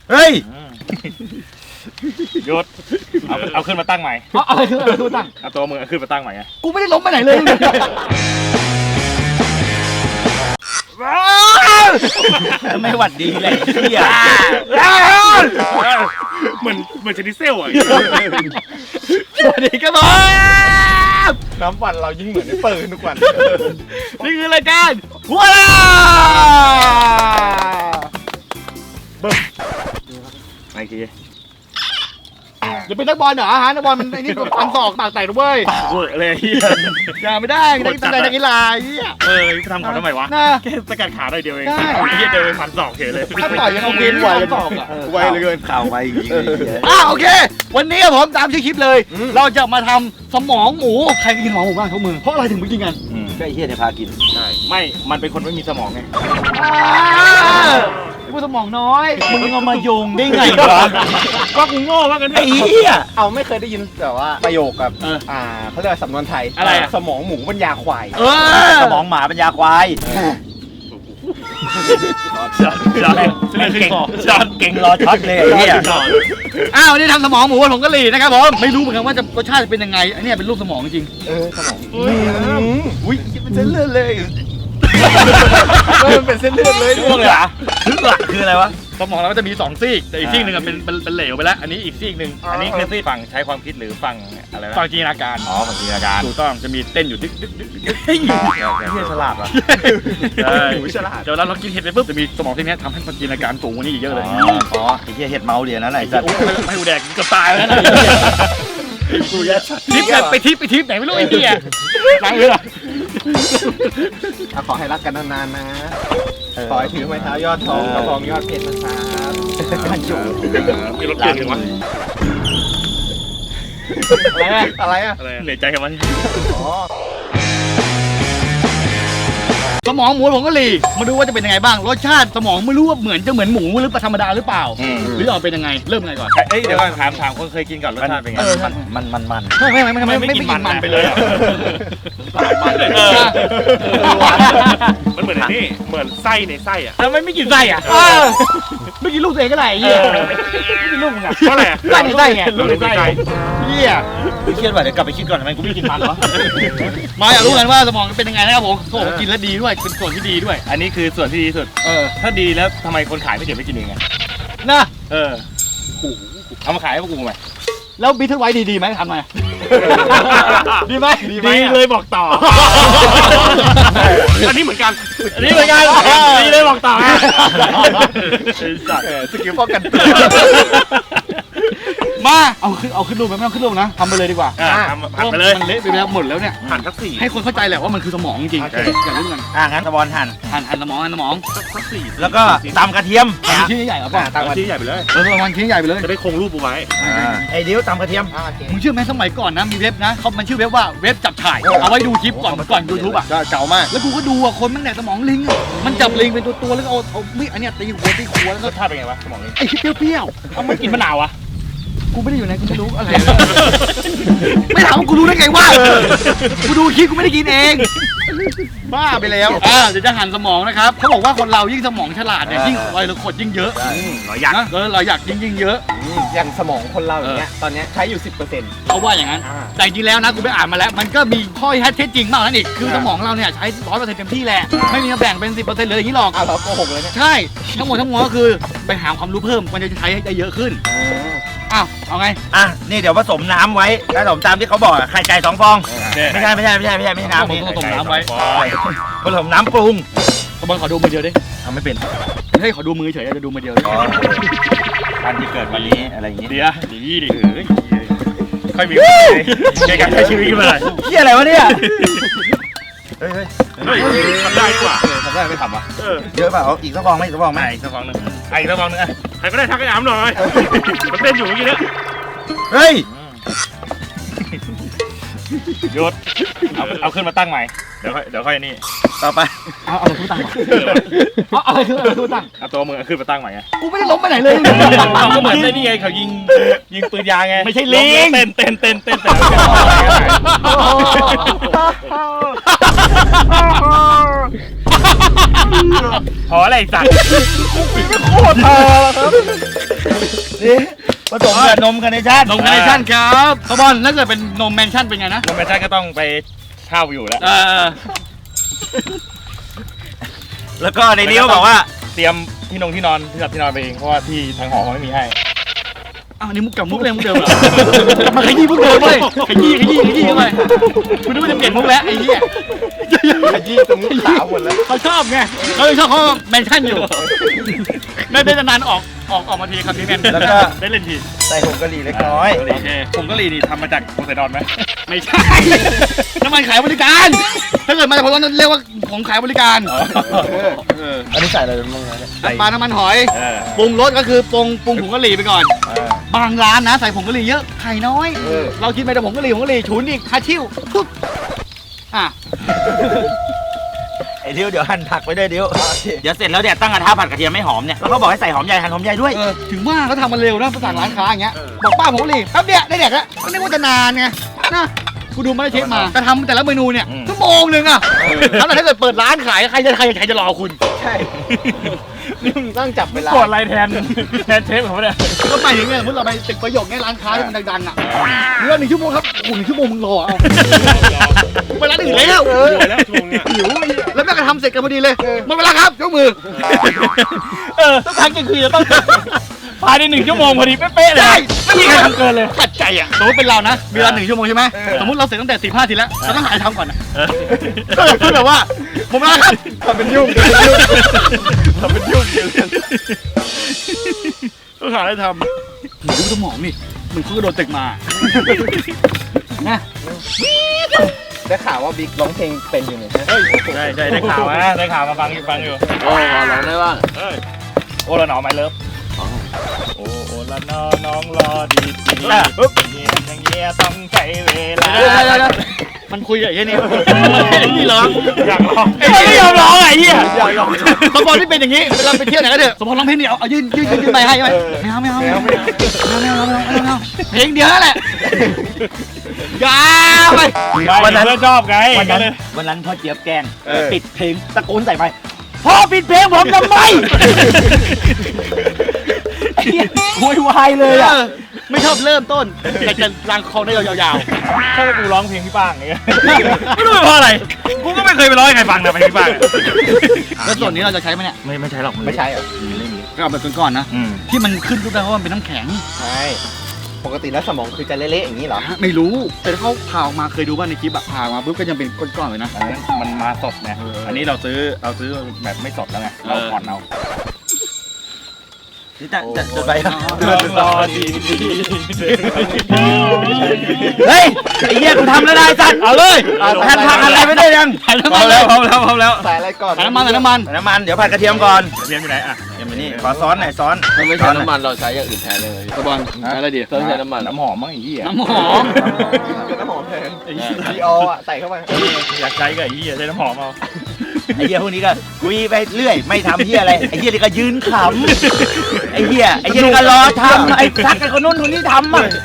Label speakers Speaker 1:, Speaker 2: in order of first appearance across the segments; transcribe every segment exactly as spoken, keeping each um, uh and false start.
Speaker 1: เฮ้ย
Speaker 2: หยุดเอาเอาขึ้นมาตั้งใหม่
Speaker 3: อะไรคืออะไรคือตั้ง
Speaker 2: เอาตัวมึงเอาขึ้นมาตั้งใหม่ไง
Speaker 3: กูไม่ได้ล้มไปไหนเลย
Speaker 1: ไม่หวัดดีเลยเฮีย
Speaker 2: เหมือนเหมือนชนิดเซลอ่ะ
Speaker 3: สวัสดีครับผม
Speaker 2: น้ำปั่นเรายิ่งเหมือนในปืนทุกวัน
Speaker 3: นี่คือรายการหัวลา
Speaker 2: บึ้มไอ้ที
Speaker 3: จะเป็นนักบอลเหรอฮะนักบอลมันไอ้นี่ฟันศอกปากแตกด้วย
Speaker 2: เวอร์เลย
Speaker 3: อย่าไม่ได้ไม่ได้ตั้งใจนักกีฬาเฮีย
Speaker 2: เออทำเขาทำไมวะแค่สกัดขาได้เดียวเองเฮียเดินฟันศอกเฉยเลย
Speaker 3: ถ้าต่อยยังโอเคไวเลยศอกอ่ะ
Speaker 2: ไวเลยเกิน
Speaker 1: ข่าวไวจริง
Speaker 3: อ่ะโอเควันนี้ผมตามชื่อคลิปเลยเราจะมาทำสมองหมูใครกินสมองหมูบ้างทุกมือเพราะอะไรถึงไม่กินกัน
Speaker 1: ก็ไอ้เฮียเนี่ยพากิน
Speaker 2: ใช่ไม่มันเป็นคนไม่มีสมองไง
Speaker 3: ไอ้พวกสมองน้อย
Speaker 1: มึงเอามาโยงได้ไงวะ
Speaker 2: ก็กูโง่ว่ากัน
Speaker 1: ไอ้เหี้ย
Speaker 4: เอาไม่เคยได้ยินแต่ว่าประโยคกับอ่าเขาเรียกสำนวนไทย
Speaker 3: อะไรอะ
Speaker 4: สมองหมูปัญญาควาย
Speaker 1: สมองหมาปัญญาควาย
Speaker 2: จอนจอนเก่งจอน
Speaker 1: เก่งรอช็อตเลยไอ้เหี้ย
Speaker 3: อ้าวนี่ทำสมองหมูผงกะหรี่นะครับผมไม่รู้เหมือนกันว่าจะรสชาติจะเป็นยังไงอันนี้เป็นรูปสมองจริง
Speaker 4: เออสมอง
Speaker 1: อุ้ยเป็นเส้นเลือดเลย
Speaker 4: มันเป็นเส้นเลือดเลย
Speaker 1: ช่วงเลยเหรอลึกหลักคืออะไรวะ
Speaker 3: สมองเราก็จะมีสองซีกแต่อีกซีกหนึ่งเป็นเป็นเป็นเหลวไปแล้วอันนี้อีกซีกหนึ่ง
Speaker 2: อันนี้คือซีกฝั่งใช้ความคิดหรือฝั่งอะไร
Speaker 3: ฝั่งจินตนาการ
Speaker 2: อ๋อฝั่งจินตนาการ
Speaker 3: ถูกต้องจะมีเต้นอยู่ดึกดึกดึกดึกเฮ้ย
Speaker 2: เฮียฉลาดว่ะ
Speaker 3: ใช่ฉลาดเดี๋ยวเรากินเห็ดไปปุ๊บจะมีสมองที่นี้ทำให้จินตนาการสูงกว่านี้อีกเยอะเลย
Speaker 1: อ๋อไอ้เหี้ยเห็ดเมาเดียวนั่นแหละจัด
Speaker 3: ไม่หูแดกก็ตายแล้วนะทิปไปทิปไปทิปไหนไม่รู้ไอ้เหี้ยหลังเลยอ่ะ
Speaker 4: ขอให้รักกันนานๆนะขอให้ถือไม้เท้ายอดทองกระบองยอดเพชรนะครับ
Speaker 2: มีรถเปลี่ยนถึงวะ
Speaker 4: อะไรอะ
Speaker 2: อะไรอะเหนื่อยใจกันวะ
Speaker 4: อ๋อ
Speaker 3: สมองหมูผงกะหรี่มาดูว่าจะเป็นยังไงบ้างรสชาติสมองไม่รู้ว่าเหมือนจะเหมือนหมูหรือธรรมดาหรือเปล่าหรือออกเป็นยังไงเริ่มไงก่อน
Speaker 2: เอ้ยเดี๋ยวก่อนถามถามคนเคยกินก่อนรสชาติเป็นไง
Speaker 1: มันมันมัน
Speaker 3: ไม่ไม่ไม่ไม่ไม่ไม่กินมันไปเลย
Speaker 2: มันเหมือนนี่เหมือนไส้ในไส้อะ
Speaker 3: แล้วไม่กินไส้อะไม่กินลูกตัวเองก็ได้เหี้ยไม่กินลูกมึงอะ
Speaker 2: เพราะอะไร
Speaker 3: ไส้ในไส้ไง
Speaker 2: ลูกในไส้
Speaker 3: เหี้ย
Speaker 1: ไม่เครียดว่ะเดี๋ยวกลับไปคิดก่อนทำไมกูไม่กินมันวะ
Speaker 3: มาอยากรู้กันว่าสมองเป็นยังไงนะครับผมโอ้กินแล้วดีด้วยเป็นส่วนที่ดีด้วย
Speaker 2: อันนี้คือส่วนที่ดีสุด
Speaker 3: เออ
Speaker 2: ถ้าดีแล้วทำไมคนขายไม่เก็บไปกินเองไง
Speaker 3: นะ
Speaker 2: เออเอามาขายให้พวกกูไหม
Speaker 3: แล้วบิทเทิลไวท์ดีๆไหมทำไงดีไหม
Speaker 2: ดีเลยบอกต่ออันนี้เหมือนกัน
Speaker 3: อันนี้เหมือนกัน
Speaker 2: ดีเลยบอกต่อ
Speaker 4: สกิลป้องกัน
Speaker 3: มาเอาขึ้นเอาขึ้นรูปไม่ต้องขึ้นรูปนะทำไปเลยดีกว่า
Speaker 2: หั่นไปเลย
Speaker 3: มันเละไปแล้วหมดแล้วเนี่ย
Speaker 2: หั่นทักสี่
Speaker 3: ให้คนเข้าใจแหละว่ามันคือสมองจริงๆอย่ารู้กัน
Speaker 1: อ่างั้นสมองหั่น
Speaker 3: หั่นหั่นสมองหั่นสมอง
Speaker 2: ทักสี่
Speaker 1: แล้วก็ตำกระเทียม
Speaker 3: ชิ้นใหญ่เหรอป่ะ
Speaker 2: ตำชิ้นใหญ่ไปเลย
Speaker 3: เออวันชิ้นใหญ่ไปเลย
Speaker 2: จะได้คงรูปไว้
Speaker 1: ไอ้เดี๋ยวตำกระเทียม
Speaker 3: มึงเชื่อไหมสมัยก่อนนะมีเว็บนะเขามันชื่อเว็บว่าเว็บจับฉ่ายเอาไว้ดูคลิปก่อนก่อนยูทูบอ่ะ
Speaker 4: เก่ามาก
Speaker 3: แล้วกูก็ดูอ่ะคนมันแดกสมองลิงมันจับลิงเป็นตัวตัวแล้วเอาเอาไม่อันเนี้ยตีหัวตีหัวแล้ว
Speaker 2: ก็ท่าเป็นไงวะสมองลิง
Speaker 3: ไอ้เปรี้ยวๆเอามันกินมะนาวอ่ะกูไม่ได้อยู่ไหนกูไม่รู้อะไรไม่ถามว่ากูรู้ได้ไงวะกูดูคลิปกูไม่ได้กินเอง
Speaker 4: บ้าไปแล้ว
Speaker 3: อ่าเดี๋ยวจะหั่นสมองนะครับเขาบอกว่าคนเรายิ่งสมองฉลาดเนี่ยยิ่งรอยเราขดยิ่งเยอะ
Speaker 2: เราอยาก
Speaker 3: นะเราอยากยิ่งยิ่งเยอะ
Speaker 4: อย่างสมองคนเราอย่างเงี้ยตอนเนี้ยใช้อยู่ สิบเปอร์เซ็นต์
Speaker 3: เขาว่าอย่างนั้นแต่จริงแล้วนะกูไปอ่านมาแล้วมันก็มีข้อเท็จจริงมากนั่นอีกคือสมองเราเนี่ยใช้ร้อยเปอร์เซ็นต์เต็มที่แหละไม่มีแบ่งเป็นสิบเปอร์เซ็นต์เลยอย่างนี้หรอก
Speaker 4: อ้าวเราโกหกเลยเนี่ย
Speaker 3: ใช่ทั้งหมดทั้งมวลก็คือไปหาความรู้เพิ่มมันจะใช้ได้เยอะขึ้นอ้าวเอาไง
Speaker 1: อ่ะนี่เดี๋ยวผสมน้ำไว้ผสมตามที่เขาบอกไข่ไก่สองฟองไม่ใช่ไม่ใช่ไม่ใช่ไม่ใช่ไม่ใช่น้ำนี่
Speaker 3: ผสมน้ำไว้
Speaker 1: ผสมน้ำปรุง
Speaker 3: บอลขอดูมือเดียวดิ
Speaker 1: ทำไม่เป็น
Speaker 3: ให้ขอดูมือเฉยจะดูมือเดียว
Speaker 1: วันที่เกิดวันนี้อะไรอย่างงี้
Speaker 3: เดี๋ยวดีดิ
Speaker 2: ค่อยมีในการใช้ชีวิตขึ้นมาเลย
Speaker 1: เฮียอะไรวะเนี่ย
Speaker 2: เฮ้ยเฮ้ยทำได้ดีกว่า
Speaker 4: ทำได้ไม่ทำอ่ะ
Speaker 1: เยอะเปล่าอีกสักฟองไหมอีกสักฟองไหม
Speaker 2: อีกสักฟองนึงอีกสักฟองนึงใครก็ได้ทักไอ้อ้ำหน่อยมันเต้นอยู่เมื่อกี้เนี่ย
Speaker 1: เฮ้ย
Speaker 2: หยุดเอาเอาขึ้นมาตั้งใหม่เดี๋ยวค่อยเดี๋ยวค่อยนี่
Speaker 1: ต่อไป
Speaker 3: เอาอะไรขึ้นตั้งเอาอะไรขึ้นอะไรขึ้นตั้ง
Speaker 2: เอาตัวมึงขึ้นมาตั้งใหม่ไง
Speaker 3: กูไม่ได้ล้มไปไหนเลย
Speaker 2: เขาก็เหมือนได้นี่ไงเขายิงยิงปืนยางไง
Speaker 3: ไม่ใช่ลิง
Speaker 2: เต้นเต้นเต้นเต้นเต้นพออะไรสัตว์
Speaker 4: โคตรพอครับ
Speaker 1: ผสมกับนมคาร์เนชั่น
Speaker 3: นมคาร์เนชั่นครับขบอลถ้าเกิดเป็นนมแมนชั่นเป็นไงนะ
Speaker 2: โมเมนชั่นก็ต้องไปเช่าอยู่แล้ว
Speaker 3: เออ
Speaker 1: แล้วก็ในนี้เขาบอกว่า
Speaker 2: เตรียมที่นงที่นอนที่หลับที่นอนไปเองเพราะว่าที่ทางหอเขาไม่มีให้
Speaker 3: อ้าวนี่มุกกับมุกเลยมุกเดิมเหรอมาขยี้มุกเดิมเลยขยี้ขยี้ขยี้เข้าไปคุณนึกว่าจะเปลี่ยนมุกแล้วไอ้เหี้ย
Speaker 4: ขยี้ตรงนี้ขาวหมดแล้ว
Speaker 3: เขาชอบไงเขาเลยชอบเขาแมนชั่นอยู่ได้ได้นานๆออกออกออกมาทีครับพี่แมน
Speaker 1: แล้วก็
Speaker 3: ได้เล่นที
Speaker 1: ใส่ผงกะหรี่เล็กน้อย
Speaker 3: โอเค
Speaker 2: ผมก็รีนี่ทำมาจากโพไซดอนไหม
Speaker 3: ไม่ใช่ น้ำมันขายบริการ ถ้าเกิดมาจากผมว่าเรียกว่าผมขายบริการ
Speaker 1: อันนี้ใส่อะไรบ้างนะเนี่ย
Speaker 3: น้ำปลาน้ำมันหอย
Speaker 2: เออ
Speaker 3: ปรุงรสก็คือปรุงปรุงผงกะหรี่ไปก่อน บางร้านนะใส่ผงกะหรี่เยอะไข่น้อย เราคิดไปแต่ผงกะหรี่ผงกะหรี่ฉุนอีกคาชิวปุ๊บอ่ะ
Speaker 1: ไอ้เดี๋ยวเดี๋ยวหั่นผักไปด้วยเดี๋ยวเดี๋ยวเสร็จแล้วเนี่ยตั้งกระทะผัดกระเทียมไม่หอมเนี่ยแล้วเขาบอกให้ใส่หอมใหญ่หั่นหอมใหญ่ด้วย
Speaker 3: เออถึงว่าเขาทำมันเร็วนะภาษาร้านค้าอย่างเงี้ยบอกป้าผงกะหรี่แป๊บเดียวได้แดกแล้วก็นึกว่าจะนานไงนะกูดูมาได้เชฟมาจะทำแต่ละเมนูเนี่ยชั่วโมงหนึ่งอะแล้วถ้าเกิดเปิดร้านขายใครจะใครใครจะรอคุณ
Speaker 4: ใช่นี่มึงต้องจับเวลา
Speaker 2: กดอะไรแทนแทนเชฟเขาเนี่ย
Speaker 3: ก็หมายถึงเนี่ยสมมติเราไปตึกประโยคเนี่ยร้านค้าที่มันดังๆอ่ะเรื่องหนึ่งชั่วโมงครับโอ้โหหนึ่งชั่วโมงมึงรอเอาไปร้านอื่นแล้ว
Speaker 2: อยู่แล้วช่วงเนี้ย
Speaker 3: หิวแล้วแม่ก็ทำเสร็จกันพอดีเลยหมดเวลาครับยกมือ
Speaker 2: เออต้องทำกันคือจะต้องภายในหนึ่งชั่วโมงพอดีเป๊ะๆเลย
Speaker 3: ได้
Speaker 2: ไม่มีใครทำเกินเลย
Speaker 3: ขัดใจอ่ะสมมติเป็นเรานะเวลาหนึ่งชั่วโมงใช่ไหมสมมติเราเสร็จตั้งแต่สี่ห้าทีแล้วเราต้องหาทำก่อนนะก็แบบว่าหมดเวลาครับ
Speaker 4: ทำเป็นยุ่งทำเป็นยุ่งทำเป็นยุ่งเยอะ
Speaker 2: ต้องหาอะไรท
Speaker 3: ดูสมองนี่เหมือนเขากระโดดตึกมานะ
Speaker 4: ได้ข่าวว่าบิ๊กร้องเพลงเป็นอยู่เนี่ยใช่ไหม
Speaker 2: ำใช่ใช่ได้ข่าวนะได้ข่าวมาฟังอยู่ฟังอยู่
Speaker 4: โอ้ร้องได้บ้าง
Speaker 2: เอ้ยโอละหนอไมเลิฟโอโอละหนอน้องรอดีดีปึ๊บเงี้ยอย่างเงี้ยต้องใช้เวลา
Speaker 3: มันคุยกับไอ้นี่นี่ร้อง
Speaker 2: อยากร้อง
Speaker 3: ไม่ยอมร้องไอ้เหี้ยสมพรที่เป็นอย่างนี้เวลาไปเที่ยวไหนก็เถอะสมพรร้องเพลงนี้เอาเอายื่นยื่นยื่นยื่นไปให้ไหมไม่เอาไม่เอาไม่เอาไม่เอาไม่เอาไม่เอาไม่เอาเพลงเดียวนั่นแหละยาวไป
Speaker 2: วันนั้นเพื่อนชอบไง
Speaker 1: วันนั้นวันนั้นพ่อเจี๊ยบแกล้งปิดเพลงตะโกนใส่ไปพ่อปิดเพลงผมทำไมไอ้เหี้ยโวยวายเลยอ่ะ
Speaker 3: ไม่ชอบเริ่มต้นอยากจะล้างคอได้ยาว
Speaker 2: ถ้ากูร้องเพลงพี่ป้างอย่างเงี้ยไม่รู้เป็นเพราะอะไรกูก็ไม่เคยไปร้องให้ใครฟังนะเพลงพี่ป้าง
Speaker 3: ๆแล้วส่วนนี้เราจะใช้ไหมเนี่ย
Speaker 2: ไม่ไม่ใช่หรอก
Speaker 4: ไม่ใช่เหรอ
Speaker 3: ก็เอาแบบก่อนๆนะ
Speaker 2: อืม
Speaker 3: ที่มันขึ้นรูปได้เพราะมันเป็นน้ำแข็ง
Speaker 4: ใช่ปกติแล้วสมองคือจะเละๆอย่างนี้เหรอ
Speaker 3: ไม่รู้แต่ถ้าเขาผ่าออกมาเคยดูว่าในคลิปแบบผ่าออกมาปุ๊บก็ยังเป็นก้อนๆเลยนะ
Speaker 2: อันนั้นมันมาสดไงอันนี้เราซื้อเราซื้อแบบไม่สดแล้วไงเราผ่อนเอา
Speaker 1: นี่จะจะจะไป
Speaker 2: รอดี
Speaker 1: เฮ้ยไอ้เหี้ยกูทำแล้วได้สัตว์เอาเลยแทนผักอะไรไม่ได้ยัง
Speaker 3: ใส่น้ำ
Speaker 2: พ
Speaker 3: มั
Speaker 2: ร้อน ม
Speaker 3: เล
Speaker 2: แล้
Speaker 3: ยว
Speaker 2: พร้อมแล้วพร้อมแล้ว
Speaker 4: ใส่อะไรก่อน
Speaker 3: ใส่น้ำมันใส่น้ำมัน
Speaker 1: ใส่น้ำมันเดี๋ยวผัดกระเทียมก่อน
Speaker 2: เรียนอยู่ไหนอ่ะ
Speaker 1: เดี๋ยวมานี่ขอซ้อนหน่อยซ้อน
Speaker 5: ถ้าไม่ใช้น้ำมันเราใช้อย่างอื่นแทนเลย
Speaker 3: กระบอลใช้อะไรดี
Speaker 5: ต้องใช้น้ำมัน
Speaker 2: น้ำหอมมั้งไอ้เหี้ย
Speaker 3: น้ำหอม
Speaker 4: เป็นน้ำหอมแทนดีออ่ะใส่เข้าไป
Speaker 2: อยากใช้กับไอ้เหี้ยใช้น้ำหอมเอา
Speaker 1: ไอ้เหี้ยพวกนี้ก็คุยไปเรื่อยไม่ทำเหี้ยอะไรไอ้เหี้ยนี่ก็ยืนขำไอ้เหี้ยไอ้เหี้ยนี่ก็รอทำไอ้ทักกันคนนู้นคนนี้ทำอ่ะ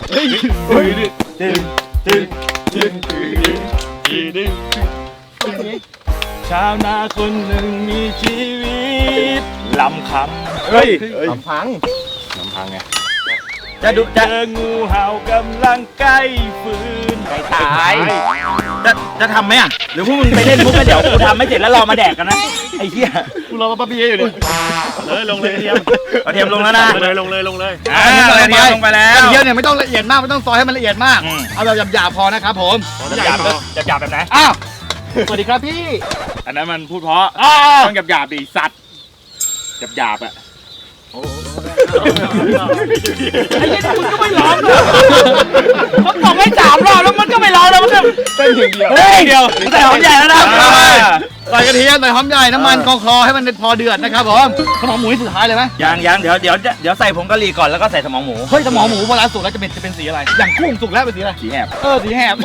Speaker 2: ชาวนาคนหนึ่งมีชีวิตลำคำ
Speaker 4: เฮ้ยลำพัง
Speaker 2: ลำพังไง
Speaker 1: จะดู
Speaker 2: เจ
Speaker 1: จะ
Speaker 2: องูเห่ากำลังใกล้ฟืนใกล้ตาย
Speaker 1: จะจะทำไหมอ่ะหรือพวกมึงไปเล่นมุกกันเดี๋ยวกูทำไม่เสร็จแล้วรอมาแดกกันนะไอ้เหี้ย
Speaker 3: กูรอมาป้าเบียอยู่ดิ
Speaker 2: เลยลงเลยเทียม
Speaker 1: กระเทียมลงแล้วนะ
Speaker 2: ลงเลยลงเลยลงเลย
Speaker 1: อ่ากระเทียมลงไปแล้ว
Speaker 3: กระเทียมเนี่ยไม่ต้องละเอียดมากไม่ต้องซอยให้มันละเอียดมาก
Speaker 1: อืม
Speaker 3: เอาแบบหยาบๆพอนะครับผม
Speaker 2: หยาบๆหยาบๆแบบไหน
Speaker 3: อ้าวสวัสดีครับพี่
Speaker 2: อันนั้นมันพูดเพราะ
Speaker 3: อ้าว
Speaker 2: ต้องหยาบๆดิสัตว์หยาบๆอ่ะ
Speaker 3: ไอ้เหี้ยคุณก็ไม่ร้องเลยเขาบอกให้สามรอบแล้วมันก็ไม่ร้องแล้วมันก็
Speaker 4: เต้นถึงเดียว
Speaker 3: เฮ้ย
Speaker 2: เดียว
Speaker 3: ใส่หอมใหญ่แล้วนะ
Speaker 2: อ่า
Speaker 3: ใส่กระเทียมใส่หอมใหญ่น้ำมันกองคลอให้มันพอเดือดนะครับผมสมองหมูที่สุดท้ายเลยไหม
Speaker 1: ยังยังเดี๋ยวเดี๋ยวเดี๋ยวใส่ผงกะหรี่ก่อนแล้วก็ใส่สมองหมู
Speaker 3: เฮ้ยสมองหมูเวลาสุกแล้วจะเป็นจะเป็นสีอะไร อย่างกุ้งสุกแล้วเป็นสีอะไร
Speaker 1: สีแหบ
Speaker 3: เออสีแหบ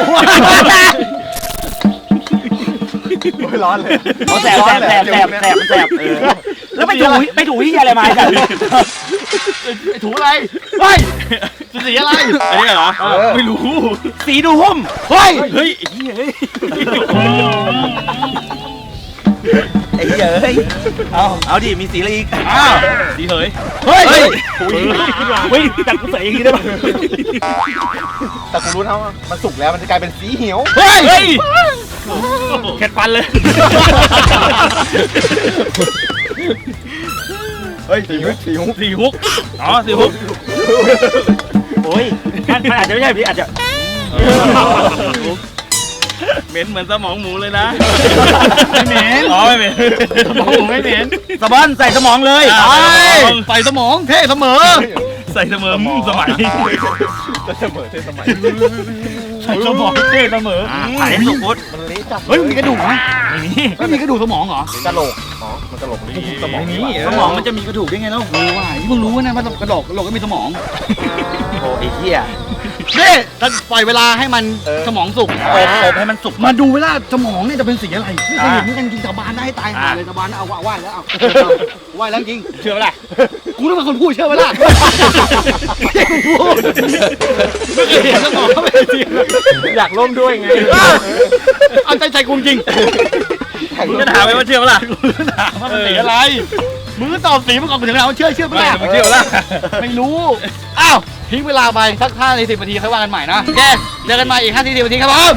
Speaker 4: โอ้ยร้อนเลย
Speaker 1: เขาแสบแสบแสบแสบแสบมันแสบเออแล้วไปถูไปถูที่อะไรมาไอ้สัตว์
Speaker 3: ไอ้ถูอะไรเฮ้ยสีอะไร
Speaker 2: อันนี้เหรอ
Speaker 4: เออ
Speaker 2: ไม่รู้
Speaker 1: สีดูหุ้ม
Speaker 3: เฮ้ย
Speaker 2: เฮ้ยไอ้เหี้ยเฮ้ย
Speaker 1: ไอ้เหี้ยเอ้ยเอาเอาดิมีสีอะไรอีก
Speaker 2: อ้าวดีเหย
Speaker 3: เฮ้ย
Speaker 2: เฮ้ยเฮ้ยแต่กูใส่อย่างนี้ได้ป่ะ
Speaker 4: แต่กูรู้นะว่ามันสุกแล้วมันจะกลายเป็นสีเหียว
Speaker 3: เฮ้ย
Speaker 2: เฮ้ยเข็ดฟันเลย
Speaker 4: เฮ้ยสีฮุกสีฮุก
Speaker 2: สี่ฮุกอ๋อสี่ฮุกโอ้ยมันมันอาจจะไม่ใช่พี่อาจจะเหม็นเหมือนสมองหมูเลยนะ
Speaker 3: ไม่เหม็น
Speaker 2: อ๋อไม่เหม็น
Speaker 3: สมองผมไม่เหม็น
Speaker 1: สะบอนใส่สมองเลย
Speaker 2: อ่ะ
Speaker 3: ไปใส่สมองเท่เสมอ
Speaker 2: ใส่เสมอสมัย
Speaker 4: ก็เสมอเท่สมัย
Speaker 2: ใส่สมองเท่เสมอ
Speaker 1: อ่ะถ่ายให้สุกพุทธ
Speaker 4: มันเละจัด
Speaker 3: เฮ้ยมันมีกระดูกไหม
Speaker 2: ไม่มี
Speaker 3: ไม่มีกระดูกสมองเหรอ
Speaker 4: กระโหลกอ๋อมันกระโหลกมันสมองนี่
Speaker 1: สมองมันจะมีกระดูกได้ไงเล่า
Speaker 3: เออว่าที่เพิ่งรู้นะว่ากระโหลกกระโหลกก็มีสมอง
Speaker 1: โอ้ไอ้เหี้ย
Speaker 3: นี่ถ้าปล่อยเวลาให้มันสมองสุก
Speaker 1: อบอบให้มันสุก
Speaker 3: มาดูเวลาสมองเนี่ยจะเป็นสีอะไรไม่เคยเห็นเหมือนกันจริงสาบานได้ให้ตายหาเลยสาบานนะเอาไหว้แล้วเอาไหว้แล้วจริง
Speaker 2: เชื่อไหมล่ะ
Speaker 3: กูต้องเป็นคนพูดเชื่อไหมล่ะไม่ใช่กูพูดไม่เคยเห็นสมองเขาเป็นสี
Speaker 4: อยากร่วมด้วยไง
Speaker 3: เอาใจใจกูจริง
Speaker 2: มึงจะถามไหมว่าเชื่อไหมล่ะ
Speaker 3: ถามว่ามันสีอะไรมึงก็ตอบสีมาก่อนกูถึงถามว่าเชื่อเชื่อไหม
Speaker 2: ไม่
Speaker 3: ล่ะ
Speaker 2: มึงเชื่อไหมล่ะ
Speaker 3: ไม่รู้อ้าวทิ้งเวลาไปสักห้านาทีสิบนาทีค่อยว่ากันใหม่นะแกเจอกันใหม่อีกห้านาทีสิบนาทีครับผม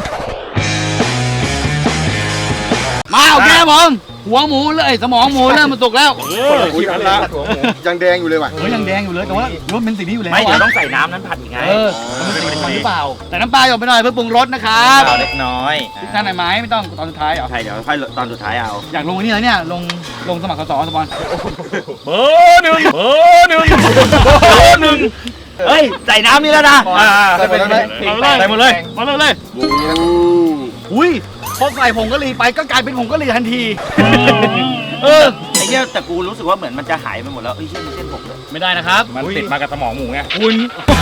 Speaker 3: มาโอเคครับผมหัวหมูเลยสมองหมูเริ่มมันสุกแล้ว
Speaker 2: เออ
Speaker 4: อุ้ยอันละหัวหมูยังแดงอยู่เลยว่ะ
Speaker 3: เฮ้ยยังแดงอยู่เลยแต่ว่ารสเป็นสีนี้อยู่แล้ว
Speaker 1: ไม่เดี๋ยว
Speaker 3: อะ
Speaker 1: ต้องใส่น้ำนั้นผัดอีกไง
Speaker 3: เออมันเป็นสีนี้หรือเปล่าแต่น้ำปลาหยดไปหน่อยเพื่อปรุงรสนะครับ
Speaker 1: เอาเล็กน้อย
Speaker 3: พริกท่านไหนไหมไม่ต้องตอนสุดท้ายเหรอ
Speaker 1: ใช่เดี๋ยวค่อยตอนสุดท้ายเอา
Speaker 3: อยากลงอันนี้เลยเนี่ยลงลงสมัครสสสปอน
Speaker 2: เบอร์หนึ่งเบอร์หนึ่งเบอร์หนึ่ง
Speaker 1: เฮ้ยใส่น้ำนี่แล้วนะ
Speaker 2: อ่า
Speaker 4: ใส่ไปแล้วนะ
Speaker 2: ใส่หมดเลยมาเลยเลย
Speaker 3: อุ้ยพอใส่ผงกะหรี่ไปก็กลายเป็นผงกะหรี่ทันทีเออ
Speaker 1: ไอ้เหี้ยแต่กูรู้สึกว่าเหมือนมันจะหายไปหมดแล้วเอ้ยเช่นเส้นผมเลย
Speaker 3: ไม่ได้นะครับ
Speaker 2: มันติดมากับสมองหมูไง
Speaker 3: คุณ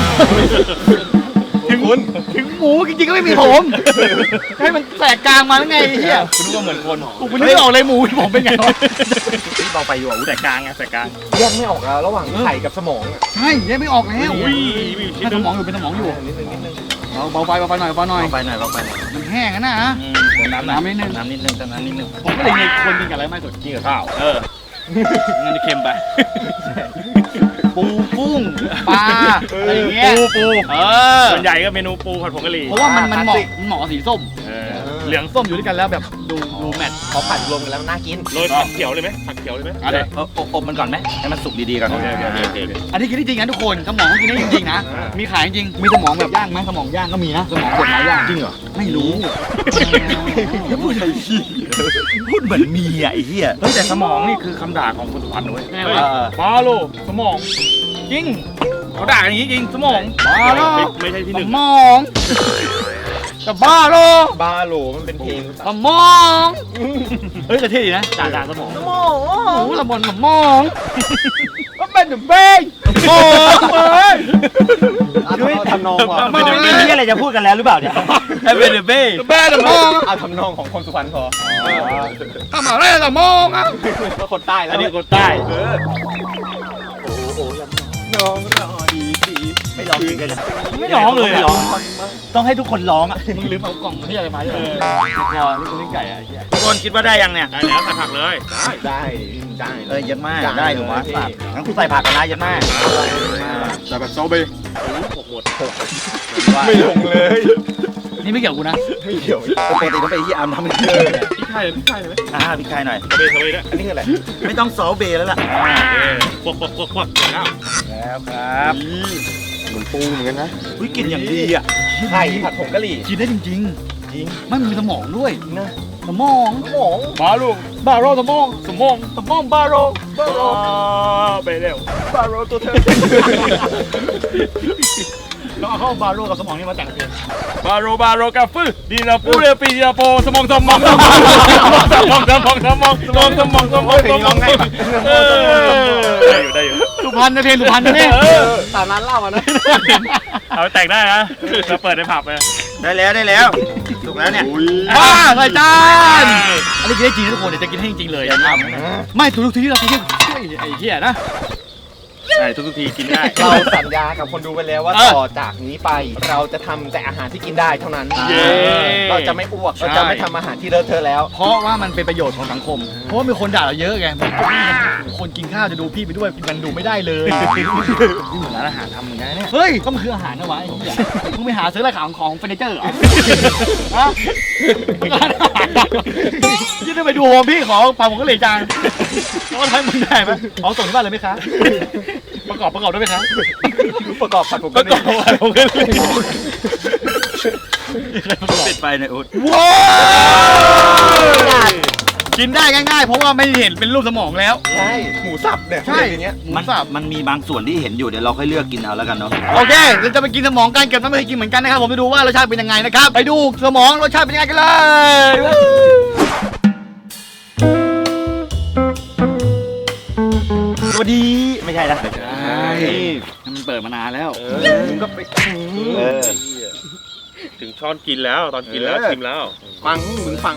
Speaker 3: ถึงคุณถึงหมูจริงๆก็ไม่มีผมให้มันแตกกลางมาแล้วไงไอ้เหี้ย
Speaker 2: คุณรู้ว่าเหมือนคน
Speaker 3: กูไม่นึกออกเลยหมูผมเป็นไงวะ
Speaker 1: นี่เบาไปอยู่อ่ะ
Speaker 2: แต่กลางไงแต่กลาง
Speaker 4: แยกไม่ออกแล้วระหว่างไข่กับสมองอ่ะ
Speaker 3: ใช่แยกไม่ออกแล้ว
Speaker 2: อุ้ยมีชิ้น
Speaker 3: ถ้า
Speaker 2: ห
Speaker 3: ส
Speaker 2: นึง
Speaker 3: มองอยู่เป็นสมองอยู่
Speaker 4: นิดนึงนิดนึง
Speaker 3: เบาเบาไปเบาไปหน่อยเบาหน่อย
Speaker 1: เบาไปหน่อยเบาไปหน่อย
Speaker 3: มันแห้งอะนะ
Speaker 1: อืมเติมน้ำหน่อย
Speaker 3: น้ำนิดนึง
Speaker 1: น้ำนิดนึงเติมน้ำนิดนึง
Speaker 3: ผมก็เลยมีคนกินกับอะไรไม่สุด
Speaker 2: กินกับข้าวเอองั้นจะเค็มไป
Speaker 3: ปูกุ้งปลาอะไรอย่างเงี้ย
Speaker 2: ปูปู
Speaker 3: เออ
Speaker 2: ส่วนใหญ่ก็เมนูปูผัดผงกะหรี่
Speaker 3: เพราะว่ามันมันเหมาะมันเหมาะกับสีส้ม
Speaker 2: เออเหลือง
Speaker 3: ส้มอยู่ด้วยกันแล้วแบบดูดูแมท
Speaker 4: เขาผัดรวมกันแล้วน่ากิน
Speaker 2: โรยผักเขียวเลยไหมผักเขียวเลยไหม
Speaker 3: อะไร
Speaker 1: เอออบอบมันก่อนไหมให้มันสุกดีๆก่อน
Speaker 2: โอเคโอเคโอเค
Speaker 3: อันนี้กินได้จริงนะทุกคนสมองกินได้จริงๆนะ มีขายจริงมีสมองแบบย่างไหมสมองย่างก็มีนะสมองเด็ดไม้ย่าง
Speaker 1: จริงเหรอ
Speaker 3: ไม่รู้
Speaker 1: แล้วพูดอะไรพูดเหมือนมีอ่ะไอ้เหี้ย
Speaker 2: เฮ้ยแต่สมองนี่คือคำด่าของคนสุพรรณนะเว้ย
Speaker 3: ไง
Speaker 2: เฮ้ยว
Speaker 3: ะ
Speaker 2: บาโลสมองจริงเขาด่ากันอย่างนี้จริงสมอง
Speaker 3: บาโล
Speaker 2: ไม่ไม่ใช่ที่ห
Speaker 3: ส
Speaker 2: นึ่ง
Speaker 3: มองแต่บ้าโล
Speaker 4: บาโหลมันเป็นเพลง
Speaker 3: สมองเฮ้ยแต่เท่ดีนะด่าด่าสมองสมองโอ้โหละมอนสมองก็เป็นเดอะเบ้งสมองเอ้ย
Speaker 4: ทำนองว่ะ
Speaker 1: ไม่ได้มีที่อะไรจะพูดกันแล้วหรือเปล่าเนี่ยไอ้เบนเบ้
Speaker 3: แม่สมอง
Speaker 4: เอาทำนองของคนสุพรรณพอ
Speaker 3: ทำอะไรสมองอ่ะ
Speaker 4: ก็คนใต้แล้ว
Speaker 2: อันนี้คนใต้
Speaker 4: น้องรอดีดี
Speaker 1: ไม่ร้องจริงเลยนะ
Speaker 2: ไม่ร้องเลย
Speaker 1: ไม่
Speaker 2: อะ
Speaker 1: ร้องต้องให้ทุกคนร้องอ่ะ
Speaker 3: มึงลืมเอากล่องที่อะไรมาใช่ไหมรอนี่กูเล่นไก่อ่ะไอ้เหี้ย
Speaker 1: ทุกคนคิดว่าได้ยังเนี่ย
Speaker 2: ได้แล้วใส่ผักเลย
Speaker 4: ได้ได้
Speaker 1: เออเยัดมาก
Speaker 4: ได้
Speaker 1: ได้หนูวะ
Speaker 4: เลย
Speaker 1: สัตว์งั้นกูใส่ผักกันนะเยัดมาก
Speaker 4: แต่แบบโซเบ
Speaker 2: หกหมด
Speaker 4: ไม่ลงเลย
Speaker 3: นี่ไม่เกี่ยวกูนะ
Speaker 4: ไม่เกี่ยว
Speaker 1: ปกติต้องไปที่อาร์มทำเป็นเรื่องเนี่ย
Speaker 2: พริกไทยเลยพริกไทยเลยไหม
Speaker 1: อ่าพี่คายหน่อย
Speaker 2: ทะเลทะเลด้วย
Speaker 4: อันนี้คืออะไร
Speaker 1: ไม่ต้องซอสเบย์แล้วล่ะ
Speaker 2: เออควักควักควักควักแล้ว
Speaker 1: แล้วครับ
Speaker 4: เหมือนปูเหมือนกันนะ
Speaker 1: วิกลิ่นอย่างดีอ่ะ
Speaker 4: ไข่ผัดผงกะหรี่
Speaker 3: กินได้จริง
Speaker 4: จริง
Speaker 3: ๆไม่มีสมองด้วย
Speaker 4: นะ
Speaker 3: สมอง
Speaker 4: สมอง
Speaker 2: บาโลบาโลสมองสมองสมองบาโลบาโลไปเร็ว
Speaker 4: บาโรตัวเธอ
Speaker 3: เราเอาเข้าบาโร่กับสมองนี่มาแต่งเพลง
Speaker 2: บาโรบาโรกาฟืดีนาปูเรปีดีนาโปสมองสมองสมองสมองสมองสมองสมองสมองสมองสมองเออได้อยู่ได้อยู่
Speaker 3: สุพรรณนะเพลงสุพรรณนะเนี่ย
Speaker 4: ตามร้านเหล้าอ่ะนะ
Speaker 2: เอาแต่งได้นะเราเปิดในผับเลย
Speaker 1: ได้แล้วได้แล้วถูกแล้วเนี่ย
Speaker 3: อ่าใส่จานอันนี้กินได้จริงนะทุกคนเดี๋ยวจะกินให้จริงๆเลยนะครับไม่ทุกทีที่เราไปเที่ยวไอ้เหี้ยนะ
Speaker 2: ใช่ทุกๆทีกินได้
Speaker 4: เราสัญญากับคนดูไปแล้วว่า
Speaker 3: เออ
Speaker 4: ต่อจากนี้ไป เราจะทำแต่อาหารที่กินได้เท่านั้น
Speaker 2: เย้
Speaker 4: เราจะไม่อ้วก เราจะไม่ทำอาหารที่เลอะเทอะแล้ว
Speaker 3: เพราะว่ามันเป็นประโยชน์ของสังคม เพราะว่ามีคนด่าเราเยอะไงคนกินข้าวจะดูพี่ไปด้วยมันดูไม่ได้เลยนี่เหมือนร้านอาหารทำเหมือนกันเนี่ยเฮ้ยก็มันคืออาหารนะวะไอ้เหี้ยมึงไปหาซื้ออะไรของของเฟอร์นิเจอร์เหรอฮะร้านอาหารยี่ได้ไปดูโฮมพี่ขอพาผมก็เลยจานว่าทำมึงได้ไหมเอาส่งที่บ้านเลยไหมคะประกอบประกอบได้ไหมคะ
Speaker 4: ประกอบผัดผม
Speaker 2: ป
Speaker 4: ก็
Speaker 2: ระกอบอะไรผมก็เลย
Speaker 1: ปิดไปในอุด
Speaker 3: ว้าวกินได้ง่ายๆ เพราะว่าไม่เห็นเป็นรูปสมองแล้ว
Speaker 4: ใช่หมูสับเนี่ย
Speaker 3: ใช่
Speaker 4: อย่างเงี้ย
Speaker 3: หมู
Speaker 1: มัน
Speaker 3: สับ
Speaker 1: มันมีบางส่วนที่เห็นอยู่เดี๋ยวเราค่อยเลือกกินเอาแล้วกันเนาะ
Speaker 3: โอเคเราจะไปกินสมองกันเก็บน้ำไม่เคยกินเหมือนกันนะครับผมจะดูว่ารสชาติเป็นยังไงนะครับไปดูสมองรสชาติเป็นยังไงกันเลย
Speaker 1: สวัสดีไม่ใช่นะ
Speaker 3: ใช่มันเปิดมานานแล้ว
Speaker 4: มึงก็ไป
Speaker 1: เออ
Speaker 2: ถึงช้อนกินแล้วตอนกินแล้วชิมแล้ว
Speaker 4: ฟังมึงฟัง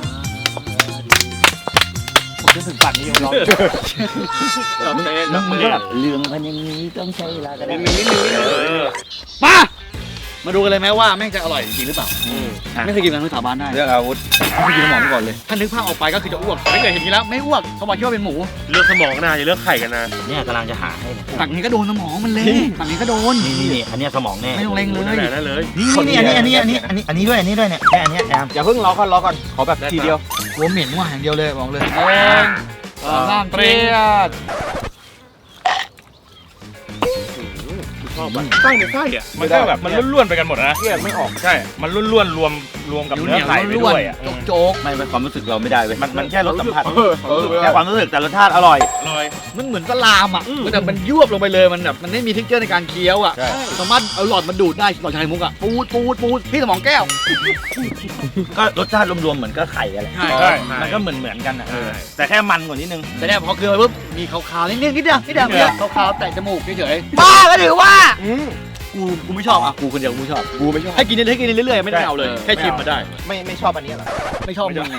Speaker 3: ผมจะถึงฝันนี้ยังร้อง
Speaker 1: มึงมึงก็แบบเรื่องมันอย่างนี้ต้องใช้เวลาก็ได้
Speaker 3: มามาดูกันเลยไหมว่าแม่งจะอร่อยจริงหรือเปล่าไม่เคยกินกันที่สาบานได้
Speaker 1: เรื่องอาวุธ
Speaker 3: ไม่เคยกินสมองมาก่อนเลยถ้านึกภาพออกไปก็คือจะอ้วกไม่เคยเห็นนี้แล้วไม่อ้วกเขาบอกคิดว่าเป็นหมู
Speaker 2: เลือกสมองนะอย่าเลือกไข่กันนะ
Speaker 1: เนี่ยกำลังจะหาให้เนี่ย
Speaker 3: ฝั่งนี้ก็โดนสมองมันเลยฝั่งนี้ก็โดน
Speaker 1: นี่นี่นี่อันเนี้ยสมองแน่
Speaker 3: ไม่ต้องเล็งเลย
Speaker 2: นั่นแหละนั่นเลย
Speaker 1: นี่นี่อันนี้อันนี้อันนี้อันนี้อันนี้ด้วยอันนี้ด้วยเนี่ยแค่อันเนี้ยแอม
Speaker 4: อย่าเพิ่งรอก่อนรอก่อน ขอแบบทีเดียว
Speaker 3: หัวเหม็นว่าอย่างเดียวเลยบอกเลยน้ำเปรี้ยด
Speaker 2: ชอบอ่ะไส้ในไส้อ่ะมันก็แบบมันล้วนๆไปกันหมดนะ
Speaker 4: แยกไม่ออก
Speaker 2: ใช่มันล้วนๆรวมรวมกับเนื้อไข่ไปด้วยอ่ะ
Speaker 3: โจ๊ก
Speaker 1: ไม่ไม่ความรู้สึกเราไม่ได้เว้ยมันมันแค่รสสัมผัส
Speaker 4: เออเออ
Speaker 1: แค่ความรู้สึกแต่รสชาติอร่อย
Speaker 2: อร่อย
Speaker 3: มันเหมือนสลามอ่ะแต่มันยวบลงไปเลยมันแบบมันไม่มีทิกเจอร์ในการเคี้ยวอ่ะสามารถเอาหลอดมาดูดได้หลอดชายมุกอ่ะปูดปูดปูดพี่สมองแก้ว
Speaker 1: ก็รสชาติรวมๆเหมือนก็ไข่อะไร
Speaker 3: ใช่
Speaker 2: ใช่
Speaker 1: มันก็เหมือนเหมือนกันอ่ะ
Speaker 2: ใช่
Speaker 1: แต่แค่มันกว่านิดนึง
Speaker 3: แต่เนี่ยพอเคี้ยวไปปุ๊บมีขาวๆนิดๆนิดเดียวนิดเดียวนิดเดียวขาวๆแตะจมูกเฉยๆบ้าก็ถือว่า
Speaker 4: อืม
Speaker 3: กูกูไม่ชอบอ่ะกูคนเดียวกูไม่ชอบ
Speaker 4: กูไม่ชอบ
Speaker 3: ให้กินเรื่อยๆให้กินเรื่อยๆไม่ได้เอาเลยแค่ชิมมาได้
Speaker 4: ไม่ไม่ชอบอันนี้เหรอ
Speaker 3: ไม่ชอบมึงไง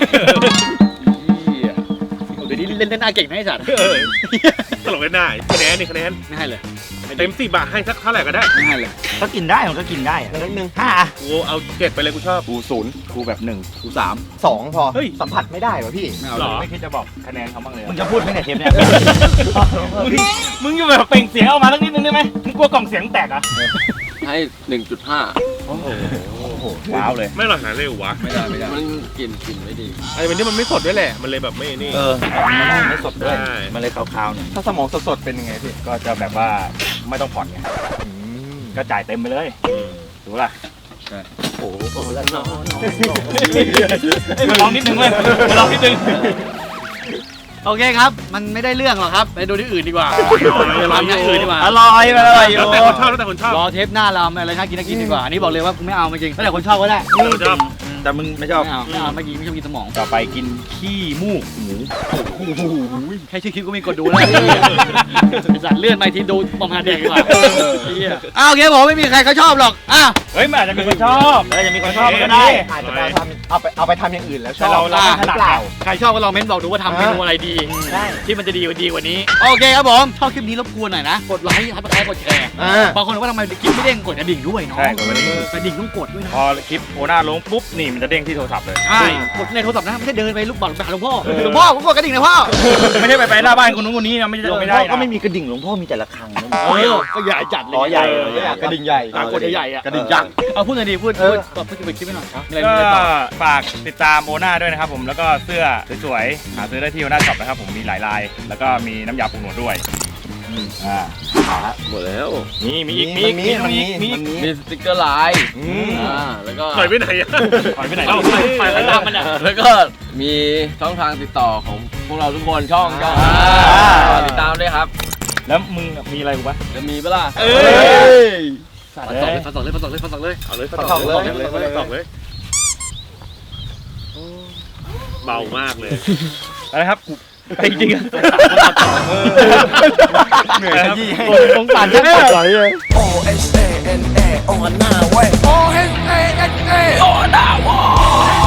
Speaker 3: เดี๋ยวนี้เล่นเล่นหน้าเก่งนะไอ้สัตว์
Speaker 2: เออตลกเลยหน้าคะแนนนี่คะแนน
Speaker 3: ไม่ให้เลย
Speaker 2: เต็มสิบบาทให้สักเท่าไหร่ก็ได้
Speaker 3: ไม่ให้เลย
Speaker 1: ก็กินได้มันก็กินได้อะ
Speaker 4: นิดนึง
Speaker 1: ห้า
Speaker 2: กูเอาเจ็ดไปเลยกูชอบ
Speaker 1: กูศูนย์กูแบบหนึ่งกูสาม
Speaker 4: สองพอ
Speaker 2: เฮ้ย
Speaker 4: สัมผัสไม่ได้วะพี่
Speaker 3: ไม่เอา
Speaker 2: ห
Speaker 3: เล
Speaker 2: ร
Speaker 3: ย
Speaker 2: อไม่คิดจะบอกคะแนนเขาบ้างเลย
Speaker 1: มึงจะพูดไหมเนี่ยเทปเนี่ย
Speaker 2: มึงมึงจะแบบเปล่งเสียงออกมาสักนิดนึงได้ไหมมึงกลัวกล่องเสียงแตกอ่ะ
Speaker 5: ให้หนึ่งจุดห้า
Speaker 1: ว้าวเลย
Speaker 2: ไม่หรอกหาเร็ววะ
Speaker 3: ไม่ได้ไม่ได้
Speaker 5: มันกลิ่นกลิ่นไม่ดี
Speaker 2: ไอ้เป็นที่มันไม่สดด้วยแหละมันเลยแบบไม่นี่
Speaker 1: เออมันไม่สดด้วย
Speaker 2: ใช่
Speaker 1: มันเลยคาวๆหน่อย
Speaker 4: ถ้าสมองสดๆเป็นยังไงพี่
Speaker 2: ก็จะแบบว่าไม่ต้องผ่อนไงก็จ่ายเต็มไปเลยถูกป่ะ
Speaker 1: โอ้โหแล้วนอน
Speaker 2: เอ้ยมาลองนิดนึงเลยมาลองนิดนึง
Speaker 3: โอเคครับ มันไม่ได้เรื่องหรอกครับไปดูที่อื่นดีกว่าไปร้านที่อื่นดีกว่า
Speaker 1: อร่อยอร่อยอ
Speaker 2: แล้ว
Speaker 1: ยู่
Speaker 2: แต่คนชอบแล้วแต่คนชอบ
Speaker 3: รอเทปหน้าเราอะไรน่ากินน่ากินดีกว่าอันนี้บอกเลยว่ากูไม่เอาจริงๆแล้วแต่คนชอบก็ได้
Speaker 2: แต่คนชอบ
Speaker 1: แต่มึงไม่ชอบ
Speaker 3: ไม่เอาไม่เอาไม่กินไม่ชอบกินสมอง
Speaker 2: ต่อไปกินขี้มูกหมู
Speaker 3: แค่ชื่อคลิปก็มีกดดูแล้วไอ้สัตว์เลื่อนไปทีดูประมาณเด็กดีกว่าอ้าวโอเคผมไม่มีใครเขาชอบหรอกอ้าว
Speaker 2: เฮ้ยมันอาจจะมีคนชอบ
Speaker 1: แล้วจะมีคนชอบก็ได้
Speaker 4: อาจจะไปทำเอาไปเอาไปทำอย่างอื่นแล้วช
Speaker 2: แต่
Speaker 4: อบ
Speaker 2: เราเราไม่ถนัด
Speaker 4: เปล่า
Speaker 2: เรา
Speaker 3: ใครชอบก็ลองเม้นบอกดูว่าทำเมนูอะไรดี
Speaker 4: ได้
Speaker 3: ที่มันจะดีกว่าดีกว่านี้โอเคครับผมชอบคลิปนี้รบกวนหน่อยนะกดไลค์ทับไลค์กดแชร์
Speaker 4: อ่า
Speaker 3: บางคนบอกว่าทำไมคลิปไม่เด้งกดกระดิ่งด้วยเนาะ
Speaker 2: ใช่กดกระดิ่ง
Speaker 3: กระดิ่งต้องกดด้วยนะ
Speaker 2: พอคลิปโอน่าลงปุ๊บนี่มันจะเด้งที่โทรศัพท์เลย
Speaker 3: ใช่กดในโทรศัพท์นะไม่ใช่เดินไปลูกบอลไปหาหลวงพ่อหลวงพ่อผมกดกระดิ่งนะพ่อ
Speaker 2: ไม่ใช่ไปไปหน้าบ้านคนนู้นคนนี้นะไม่
Speaker 1: หล
Speaker 2: ได้
Speaker 1: วง
Speaker 2: ไม่
Speaker 1: พ่
Speaker 2: ได้
Speaker 1: อ
Speaker 2: นะ
Speaker 1: ก็ไม่มีกระดิ่งหลวงพ่อมีแต่ละครังนะ
Speaker 3: เออก็ใหญ่จัดเลย
Speaker 1: อ๋อใหญ่
Speaker 4: กระดิ่งใหญ่
Speaker 3: อ่ะกดใหญ่ๆอ่ะ
Speaker 1: กระดิ่งยักษ์
Speaker 3: เอาพูดหน่อยดิพูด
Speaker 4: เอ
Speaker 3: พู
Speaker 4: อ
Speaker 3: ดตอบพูดเป็นคลิปให้หน่อยมีอะไร
Speaker 2: ก็
Speaker 3: มีอะไรต่อ
Speaker 2: ฝากติดตามโอน่าด้วยนะครับผมแล้วก็เสื้อสวยๆหาซื้อได้ที่โอน่าช็อปนะครับผมมีหลายลาย แล้วก็มีน้ำยาปรุงหนวดด้วยอ่า
Speaker 5: หมดแล้ว
Speaker 2: มีมีอีกมีอีกมี
Speaker 4: มันมี
Speaker 2: อีกมีอีก
Speaker 5: มีสติ๊กเกอร์ลาย
Speaker 2: อืม
Speaker 5: อ่าแล้วก็
Speaker 2: ปล่อยไปไหนอ่ะปล่อยไปไหน
Speaker 3: เอา
Speaker 2: เล่า
Speaker 3: ไปไปไปตามมันอ่ะ
Speaker 5: แล้วก็มีช่องทางติดต่อของพวกเราทุกคนช่องช่อง
Speaker 4: อ่า
Speaker 5: อ่าติดตามด้วยครับ
Speaker 2: แล้วมึงมีอะไรกูปะ
Speaker 5: จะมีเปะล่า
Speaker 2: เอ้ย
Speaker 3: ฟันสองเลยฟันสองเลยฟันสองเลยฟันสองเลย
Speaker 2: เอาเลย
Speaker 4: ฟันศอกเลย
Speaker 2: เลยฟันศอกเลยเบามากเลยอะไรครับกูไปจริงๆอะ
Speaker 1: เหนื่อยขยี้ให้
Speaker 3: สงสารแค่ปวดไหลเลย
Speaker 6: O S A N A โอฮาน่าเว้ย O S A N A โอฮาน่าเว้ย